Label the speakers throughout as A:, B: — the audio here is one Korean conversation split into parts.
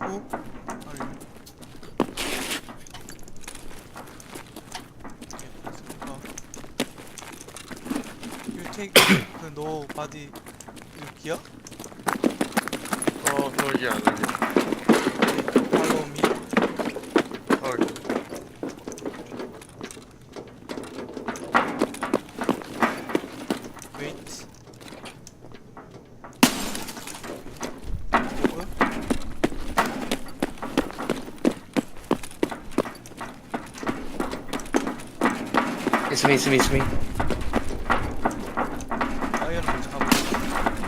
A: Who are you? Okay, let's go. You take the no body gear?
B: 그러지 않으려.
A: Okay, follow me. Wait. Over.
C: It's me, it's me, it's me.
A: 아이언 먼저 가보자.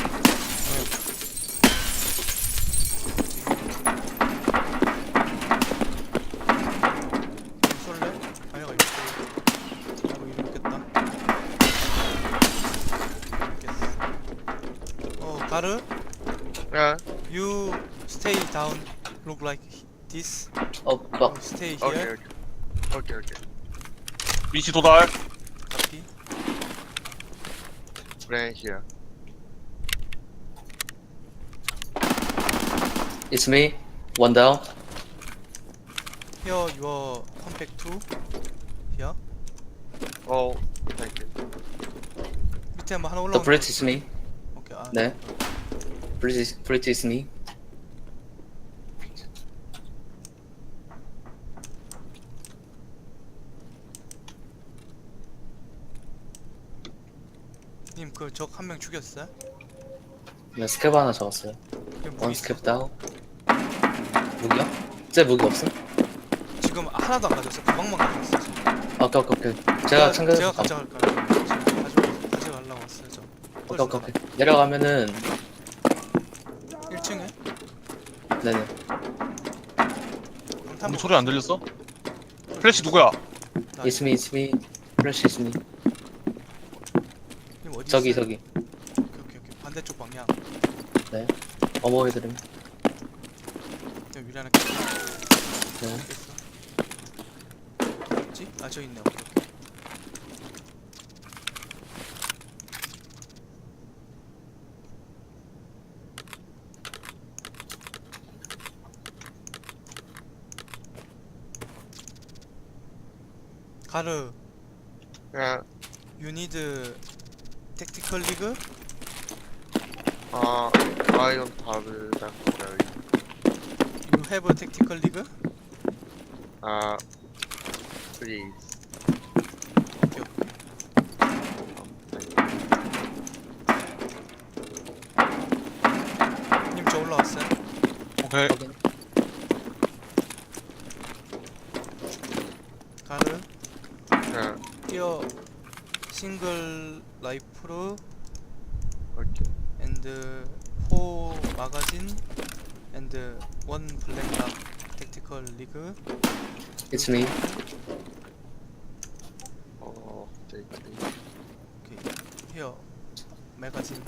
A: 쏠래? 아이가 이렇게 나도 이렇겠다. 가르?
B: 야,
A: You stay down. Look like this.
C: Oh, fuck.
A: Stay
B: 오케이,
A: here.
B: 오케이.
D: 위치 도달.
A: Copy.
B: 브랜시야.
C: It's me. One down.
A: Here your compact 2. Here.
B: 땡큐.
A: 밑에 한번 하나
C: The
A: 올라오는
C: bridge is me.
A: 오케이.
C: 네. Bridge is me.
A: 님 그 적 한 명 죽였어요?
C: 네, 스캡 하나 적었어요.
A: 그게 무기
C: One
A: 있어?
C: 스캡 down. 무기요? 제 무기 없음?
A: 지금 하나도 안 가졌어. 가방만 가졌어. 지금.
C: 오케이. 제가 챙겨서
A: 제가 가져갈까요? 지금 가져가려고 왔어요. 저.
C: 오케이. 내려가면은
A: 1층에
C: 네네.
D: 우리 소리 안 들렸어? 플래시 누구야?
C: It's me. Flash is me.
A: 님 어디
C: 저기.
A: 있어요? 오케이. 반대쪽 방향.
C: 네. 어머 해드림.
A: 여기 위에 하나
C: 네.
A: 깼어. 뭐지? 아, 저 있네. 오케이. 가르,
B: 야,
A: you need tactical league?
B: 아이언 다르다.
A: You have a tactical league?
B: please.
A: 오케이. 님 저 올라왔어요?
D: 오케이.
C: 확인.
A: 가르,
B: 야,
A: here single rifle
B: 오케이.
A: and 4 magazine and 1 black lock tactical league.
C: It's me.
B: 땡큐.
A: Okay, here magazine.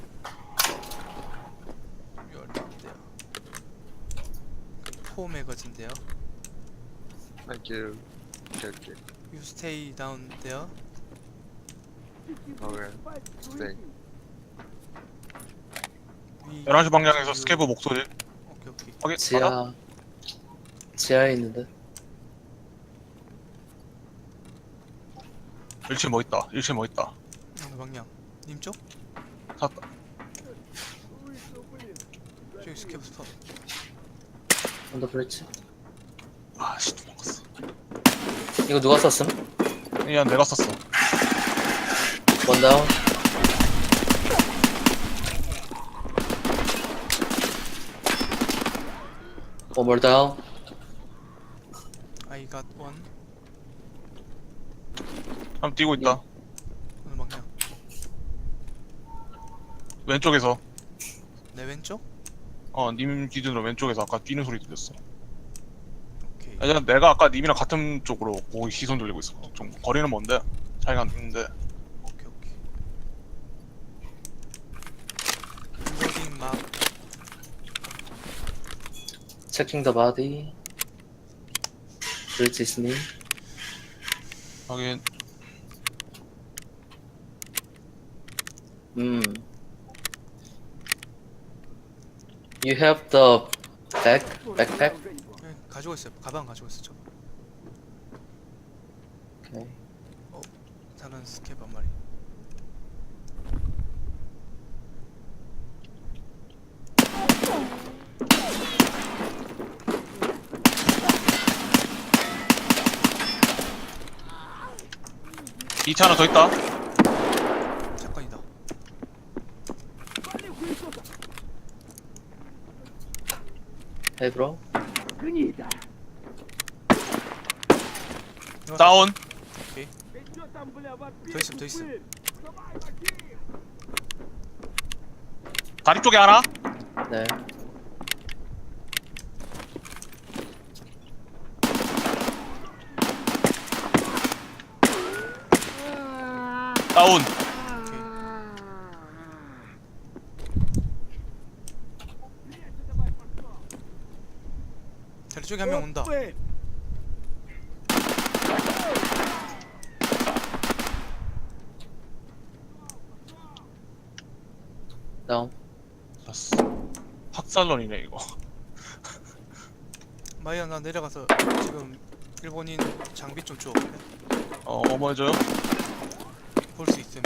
A: You're not there. 4 magazine there.
B: 땡큐. 오케이.
A: You stay down there.
B: 네.
A: We
D: 11시 방향에서
A: you-
D: 스케브 목소리.
A: 오케이.
D: 확인.
C: 지하에 있는데.
D: 1층 뭐 있다. 1층 뭐 있다.
A: 어느 방향? 님 쪽?
D: 샀다.
A: 저기 스캡 스팟.
C: 언더 브릿지.
D: 아씨 도망갔어.
C: 이거 누가 썼음?
D: 그냥 내가 썼어.
C: 원 다운. One more down.
A: I got one.
D: 한번 뛰고 있다.
A: 어느 방향?
D: 왼쪽에서.
A: 내 왼쪽?
D: 님 기준으로 왼쪽에서 아까 뛰는 소리 들렸어.
A: 오케이.
D: 아니, 내가 아까 님이랑 같은 쪽으로 거기 시선 돌리고 있어. 좀 거리는 먼데 차이가 안 나는데.
A: 오케이. Reloading map.
C: Checking the body. Bridge is me.
D: 하긴
C: You have the 백팩.
A: 네, 가지고 있어요. 가방 가지고 있어 저.
C: 오케이.
A: 다른 스캡 한 마리.
D: 이차 하나 더 있다.
A: 사건이다.
C: 헤브로.
D: 다운.
A: 더 있음 더 있음.
D: 다리 쪽에 하나.
C: 네.
D: 다운.
A: 다리 쪽에 한 명 온다.
C: 다운.
D: 됐어. 학살론이네 이거.
A: 마이야 나 내려가서 지금 일본인 장비 좀 줘.
D: 뭐 해줘요?
A: 볼 수 있음.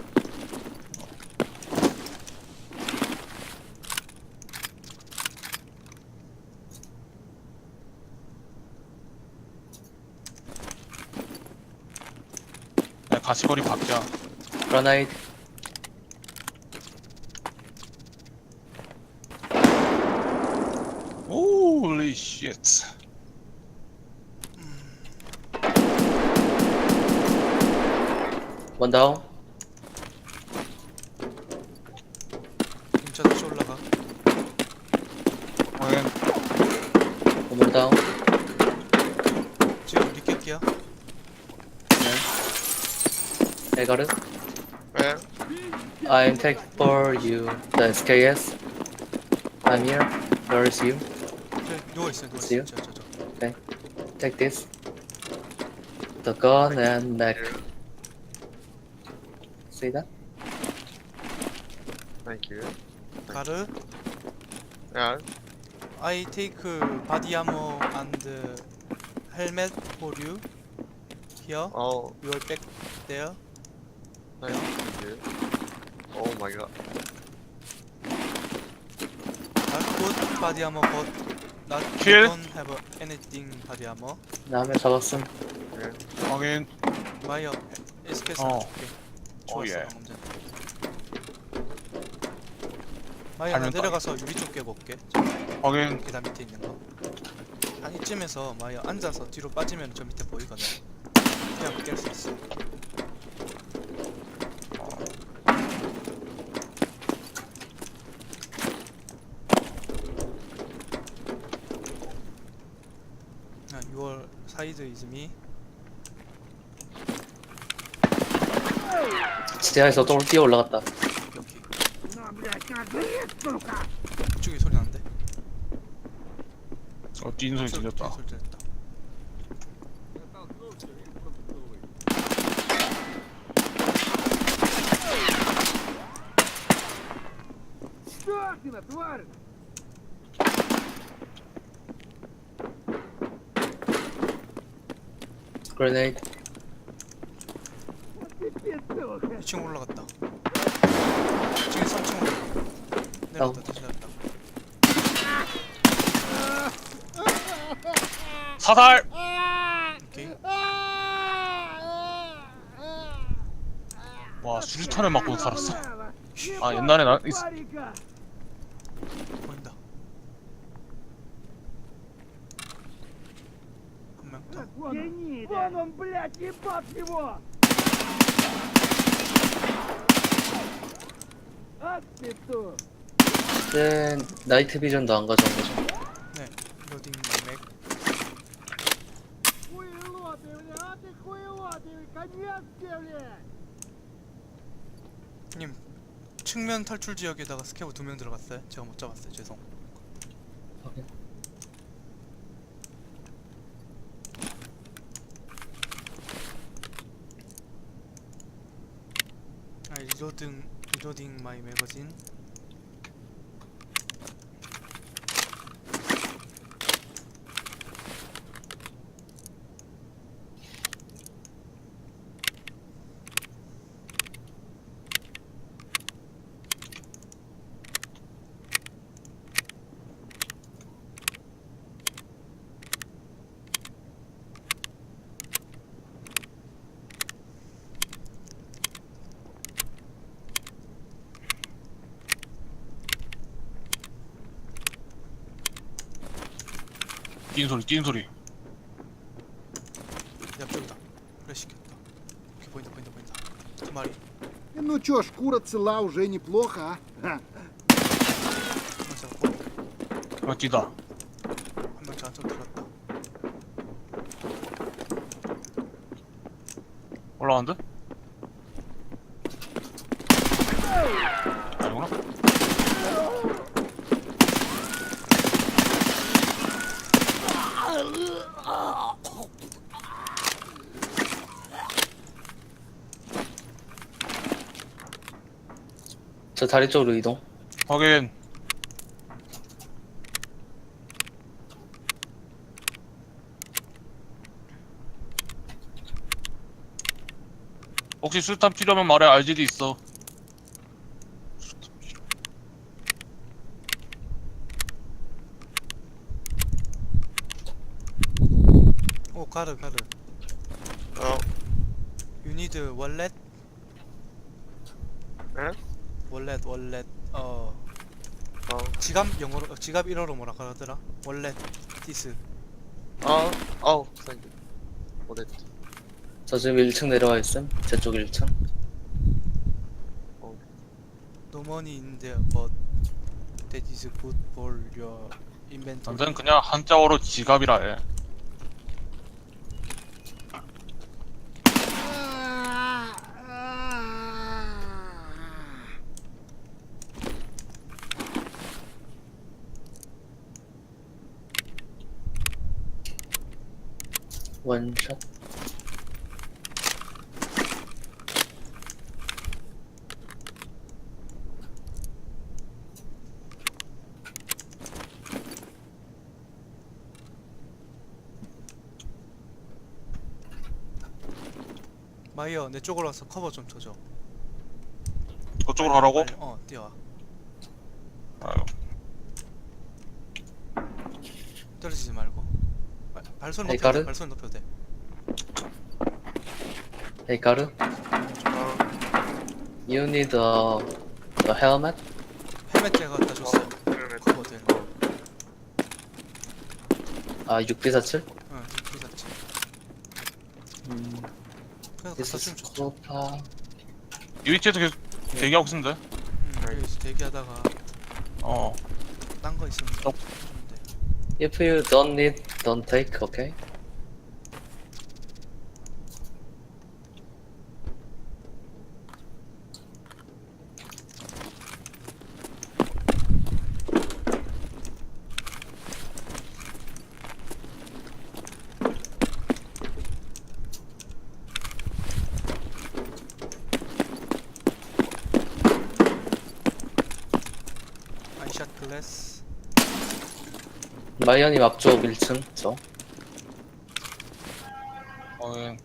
D: 야, 가시거리 박자.
C: 그라나이드.
D: Holy shit.
C: 원 다운.
A: 임차 다시 올라가.
D: 확인.
C: 원 다운.
A: 지금 리켓기야.
C: 네. 에가르.
B: Where?
C: I'm taking for you the SKS. I'm here. Where is you?
A: 저 누워 있어 누워
C: 있어요?
A: 있어. 저.
C: Take this. The gun and mag.
B: Here.
C: See that?
B: Thank you.
A: 가르.
B: Yeah.
A: I take body armor and helmet for you. Here.
B: Oh,
A: Your back there.
B: thank you. Oh my god.
A: Not good body armor, but not
D: Kill.
A: don't have anything body armor.
C: 나 한 명 잡았음.
B: Yeah.
D: 확인.
A: 마이어 SKS
D: 어.
A: 줄게. 좋았어
D: 예.
A: 방금 전에. 마이어 나
D: 발면
A: 내려가서 유리 쪽 깨고 올게.
D: 확인.
A: 계단 밑에 있는 거. 한 이쯤에서 마이어 앉아서 뒤로 빠지면 저 밑에 보이거든. 그냥 깰 수 있어. Your side is me.
C: 지하에서 또 뛰어 올라갔다.
A: 여기. 이쪽에 소리 나는데?
D: 뛰는 소리 들렸다.
A: 소리 들렸다.
C: Grenade.
A: 2층 올라갔다. 2층에 3층 올라갔다. 내려갔다 다시 내렸다.
D: 사살.
A: 오케이.
D: 와, 수류탄을 맞고 살았어. 아, 옛날에 나
A: 보인다. 한 명 더.
E: Вон он, блядь, ебать его! Ах ты тут!
C: 네, 나이트 비전도 안 가져온 거죠.
A: 네. 로딩 맥.
E: Хуйлоты, блядь, а ты хуйлоты, конец тебе, блядь!
A: 님 측면 탈출 지역에다가 스캐브 2명 들어갔어요. 제가 못 잡았어요. 죄송.
C: 확인.
A: 리로딩 마이 매거진.
D: 뛰는 소리.
A: 옆쪽이다. 플래시 켰다. 오케이, 보인다. 두 마리.
E: Ну чё, шкура цела уже неплохо, а? Ха.
A: 한명 잡고
D: 어, 뛰다.
A: 한 명 저쪽 들었다.
D: 올라간대? 아니구나.
C: 저 다리 쪽으로 이동.
D: 확인. 혹시 술탄 필요하면 말해. RGD 있어. 술탄 필요.
A: 오, 가르.
B: 어,
A: You need wallet?
B: 예?
A: wallet.
B: 어,
A: 지갑 영어로 지갑 1어로 뭐라 그러더라? wallet. this.
B: thank you. Wallet.
C: 저 지금 1층 내려와 있음. 제 쪽 1층.
A: No money in there, but that is good for your inventory.
D: 완전 그냥 한자어로 지갑이라 해.
C: 원샷.
A: 마이어 내 쪽으로 와서 커버 좀 쳐줘.
D: 그쪽으로 하라고?
A: 빨리, 뛰어와.
D: 아유.
A: 떨어지지 말고. 발소리
C: 에이,
A: 높여도 돼.
C: 가르?
A: 발소리 높여도 돼.
C: Hey, 가르. You need a helmet?
A: 헬멧 제가 갖다 줬어.
B: 헬멧.
A: 커버 되는 거.
C: 아, 6B47?
A: 응, 그 샀지.
C: 음,
A: 그래서 갖다
C: this is
A: 주면 좋지.
C: Copa.
D: 이 위치에서 계속 대기하고 있으면 돼.
A: 여기서 대기하다가
D: 어.
A: 딴 거 있으면
D: 어.
A: 주면 돼.
C: If you don't need, don't take, okay?
A: 아이샷 글래스.
C: 마이언님 앞쪽 1층, 저.
D: 확인.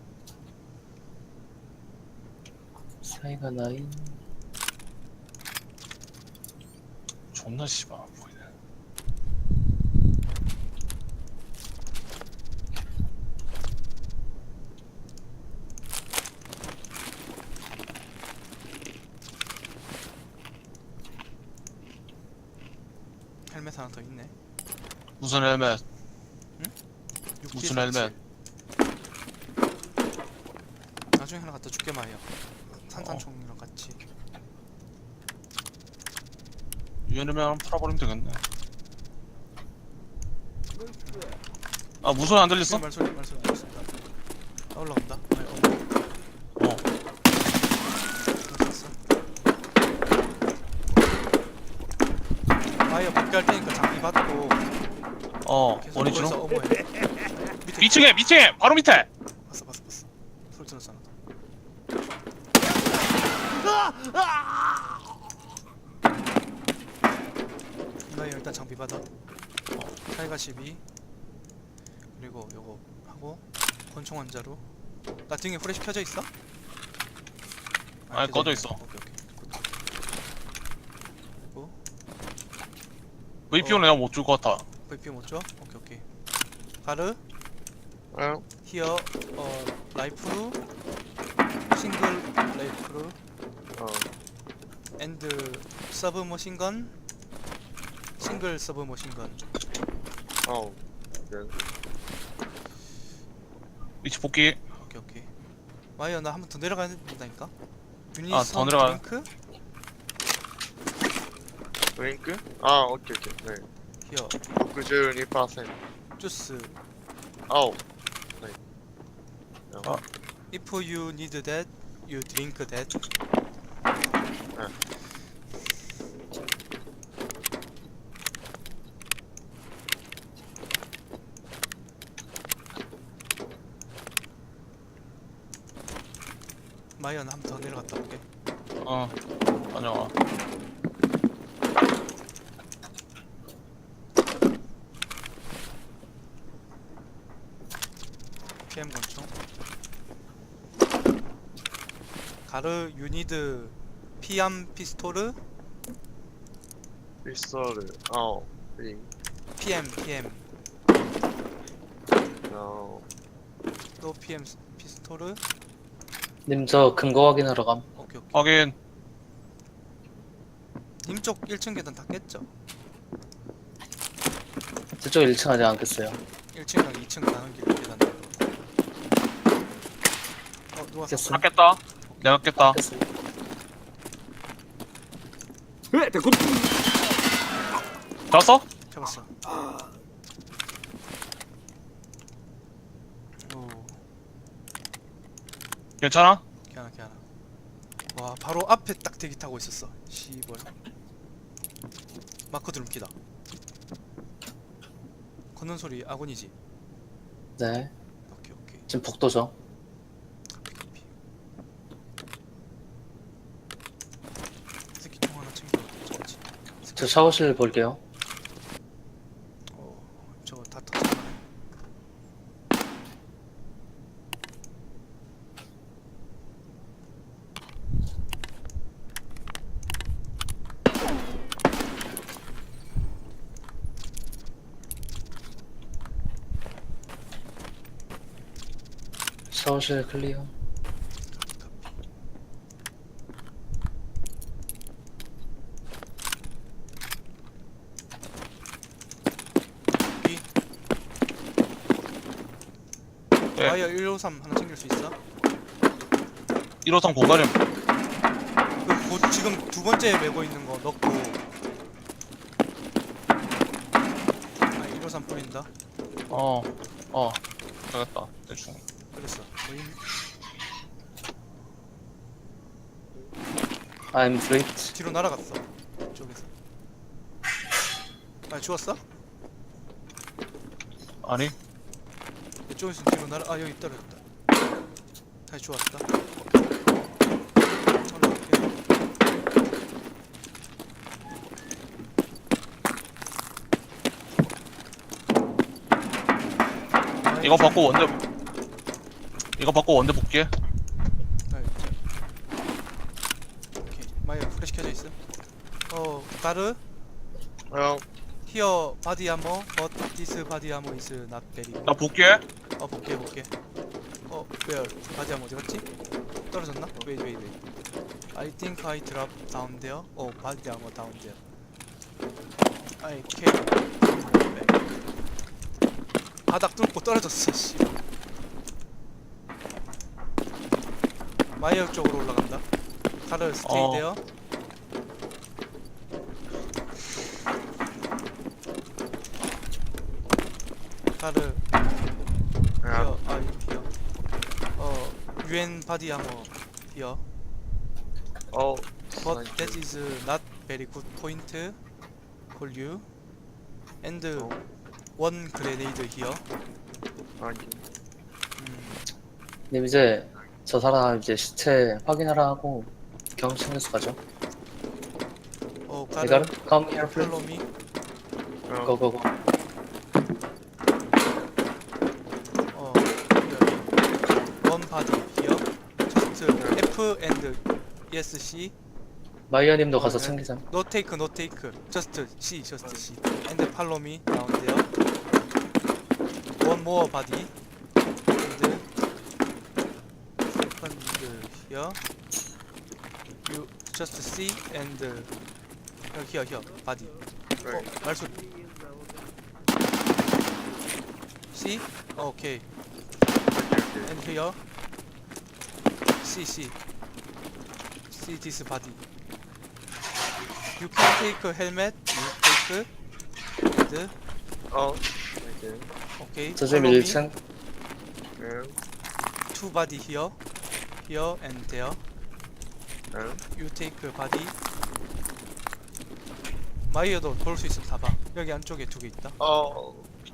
C: 사이가 나인.
D: 존나 씨발 안 보이네.
A: 헬멧 하나 더 있네.
D: 무슨 헬멧?
A: 6
D: 무슨 헬멧?
A: 나중에 하나 갖다 줄게 마이어. 산탄총이랑 같이.
D: 유연이면 풀어버리면 되겠네. 아 무슨 안 들렸어?
A: 말소리 알겠습니다. 올라온다.
D: 어.
A: 마이어 복귀할 테니까 장비 받고
D: 어.
A: 계속
D: 원위치로?
A: 거기서 어머해. 밑에
D: 2층에 바로 밑에.
A: 봤어. 소리 들었잖아. 마이어 일단 장비 받아. 타이가 12 그리고 요거 하고 권총 환자로. 나 등에 후레쉬 켜져 있어?
D: 아니,
A: 켜져
D: 꺼져
A: 있네.
D: 있어.
A: 오케이. 그리고
D: VPO는 내가 못 줄 것 같아.
A: VP 못 줘? 오케이. 가르
B: 어,
A: 히어 라이프루 싱글 라이프루 앤드 서브 머신건 싱글 서브 머신건.
D: 위치 복귀.
A: 오케이 오케이. 마이어 나 한 번 더 내려가야 된다니까. 유닛
D: 아, 더 내려가요?
A: 드링크
B: 드링크? 아, 오케이, 오케이. 네.
A: 히어
B: 62%.
A: 주스.
B: 아우. 네.
D: 아.
A: If you need that, you drink that. 마이어 나 한 번 더 내려갔다 올게.
D: 다녀와.
A: PM 권총. 가르 유니드 피암 피스토르
B: 피스톨. 아우.
A: PM
B: 어.
A: 또 PM 피스토르.
C: 님 저 근거 확인하러 감.
A: 오케이 오케이.
D: 확인.
A: 님쪽 1층 계단 다 깼죠?
C: 저쪽 1층 아직 안 깼어요.
A: 1층이랑 2층 가는 길 계단. 누가 샀어?
C: 깼어.
D: 깼다. 내가 깼다.
C: 깼어요.
D: 잡았어?
A: 잡았어. 오,
D: 괜찮아?
A: 걔하나. 와, 바로 앞에 딱 대기 타고 있었어. 씨발. 마크 드럼키다. 걷는 소리 아군이지.
C: 네.
A: 오케이.
C: 지금 복도죠.
A: 카피. 새끼 총 하나 챙겨. 저거지.
C: 저 샤워실 볼게요.
A: 저거 다 터졌네.
C: 샤워실 클리어.
D: 네.
A: 와이어 153 하나 챙길 수 있어?
D: 1호선 고가림.
A: 지금 두 번째 메고 있는 거 넣고. 아, 153 뿌린다.
D: 되겠다. 대충.
A: 그랬어. 보임.
C: I'm flipped.
A: 뒤로 날아갔어. 이쪽에서. 아, 죽었어?
D: 아니?
A: 이쪽에서 뒤로 날아. 아, 여기 떨어졌다. 다시 죽었다. 올라갈게.
D: 이거 받고 원대 복귀해.
A: 오케이. 마이어 플래시 켜져 있어. 가르.
B: 형.
A: Here body armor, but this body armor is not very good.
D: 나 복귀해.
A: 볼게. where? body armor 어디 갔지? 떨어졌나? wait. I think I dropped down there. body armor down there. I can't go back. 바닥 뚫고 떨어졌어, 씨. 마이어 쪽으로 올라간다. 가르 stay there. 가르
B: 야.
A: here. UN body armor here.
B: 어.
A: But that is not very good point for you. And one grenade here.
B: 아니.
C: 님 이제 저 사람 이제 시체 확인하라 하고 경험 챙겨서 가죠.
A: 가르
C: 이거를 come here please.
A: follow me.
B: 형.
C: 고고고.
A: Here. One body here. Just F and ESC.
C: 마이어님도 가서
A: 네.
C: 챙기자.
A: No take. Just C. And follow me down there. One more body. And second here. You just C and here body.
B: 네.
A: 말소리. C? Okay.
B: Okay.
A: And here. C. See this body. You can take a helmet. You take and
B: Oh. Okay.
A: okay.
C: 저 지금
A: Follow me.
C: 1층.
B: Yeah.
A: Two body here, and there.
B: Yeah.
A: You take a body. 마이어도 볼 수 있으면 다 봐. 여기 안쪽에 두 개 있다.
B: Oh.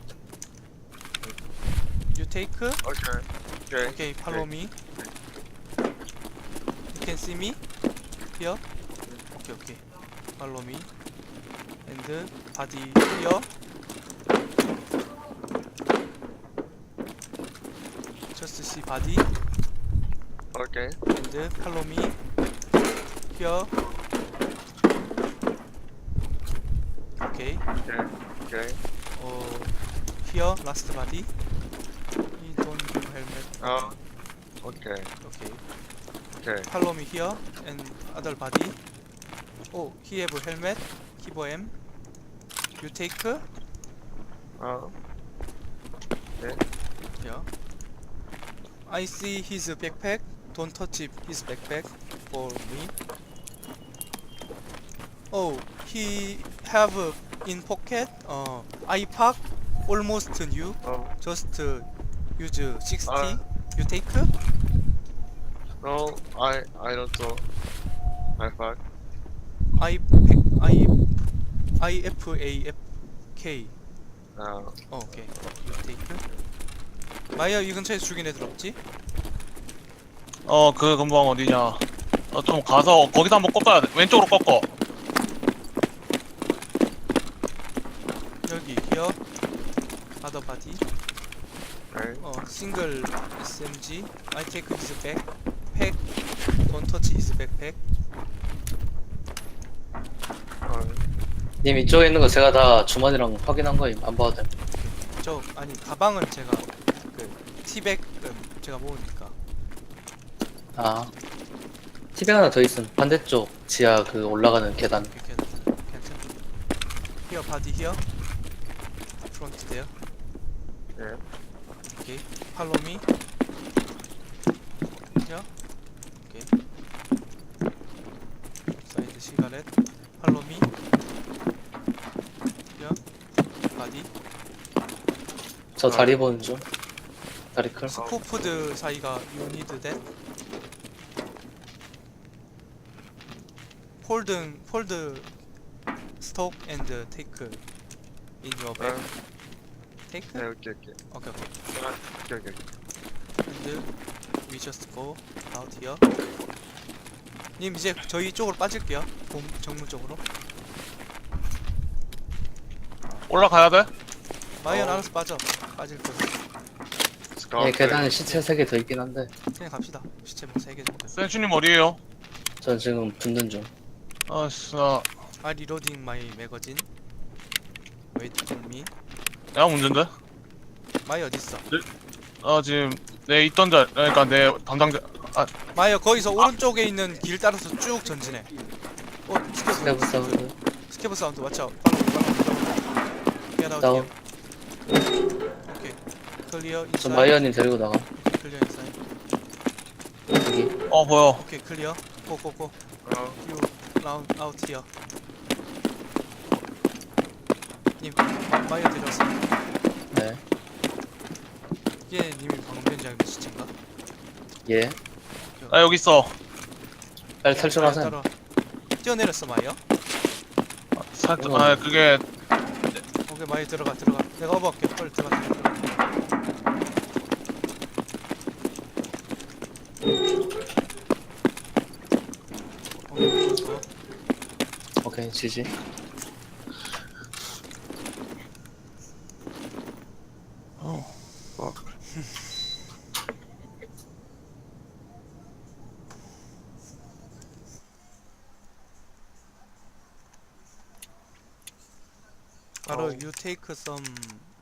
A: You take.
B: Okay. Okay.
A: Okay, follow me. You can see me here. Okay. Follow me. And body here. Just see body
B: Okay.
A: and follow me here. Okay.
B: Okay. Okay.
A: Here last body. He don't have helmet.
B: Oh. Okay.
A: Okay.
B: Okay.
A: Follow me here and other body. Oh, he have a helmet. Kibo M. You take
B: Oh.
A: here. I see his backpack. Don't touch his backpack for me. Oh, he have in pocket. I park almost new.
B: Oh.
A: Just use 60. You take?
B: No. I don't know. I fuck.
A: IFAFK.
B: No.
A: 오케이. You take. 마이어 이 근처에 죽인 애들 없지?
D: 그 금방 어디냐. 좀 가서 거기서 한번 꺾어야 돼. 왼쪽으로 꺾어.
A: 여기 here. Other body.
B: Okay.
A: Single SMG. I take his backpack. Don't touch his backpack.
C: 님 이쪽에 있는 거 제가 다 주머니랑 확인한 거임. 안 봐도 돼.
A: 아니 가방은 제가 그 티백은 제가 모으니까.
C: 아. 티백 하나 더 있음. 반대쪽 지하 그 올라가는 계단.
A: 괜찮아. Here body here. Front there.
B: Yeah.
A: Okay. Follow me. Here. Okay. Side cigarette. Follow me. Here. Body.
C: 저 다리 보는 중. 다리 클.
A: 스코프드 사이가 you need that. Fold stock and take in your bag. Take.
B: Yeah. Okay. Okay.
A: Okay.
B: Okay. Okay.
A: And we just go out here. 님 이제 저희 쪽으로 빠질게요. 정문 쪽으로.
D: 올라가야 돼?
A: 마이언 알아서 빠질 거예요.
C: 예, 계단에 시체 3개 더 있긴 한데.
A: 그냥 갑시다. 시체 뭐 3개 정도.
D: 센슈님 어디에요?
C: 전 지금 붙는 중.
D: 아싸.
A: I reloading my magazine. Wait for me.
D: 내가 문제인데?
A: 마이 어디 있어?
D: 지금 내 있던 그러니까 내 담당자.
A: 마이어 거기서 오른쪽에 있는 길 따라서 쭉 전진해.
C: 스케브 사운드.
A: 스케브 사운드 watch out. Get out
C: 다운.
A: here. 오케이. 클리어
C: 저
A: 인사이드.
C: 마이어님 데리고 나가.
A: 클리어 인사이드.
C: 여기.
D: 보여.
A: 오케이 클리어. 고고고.
B: Oh.
A: You round out here. 님 마이어 데려왔어.
C: 네.
A: 이게 님이 방금 변장한 시체인가?
C: 예.
D: 나 여기 있어.
C: 빨리 탈출하세요.
A: 따라와. 뛰어내렸어 마이어.
D: 살짝. 그게
A: 오케이 마이어 들어가. 내가 어버할게. 빨리 들어가. 좋아.
C: 오케이, 지지.
B: Fuck.
A: 바로
B: 어.
A: you take some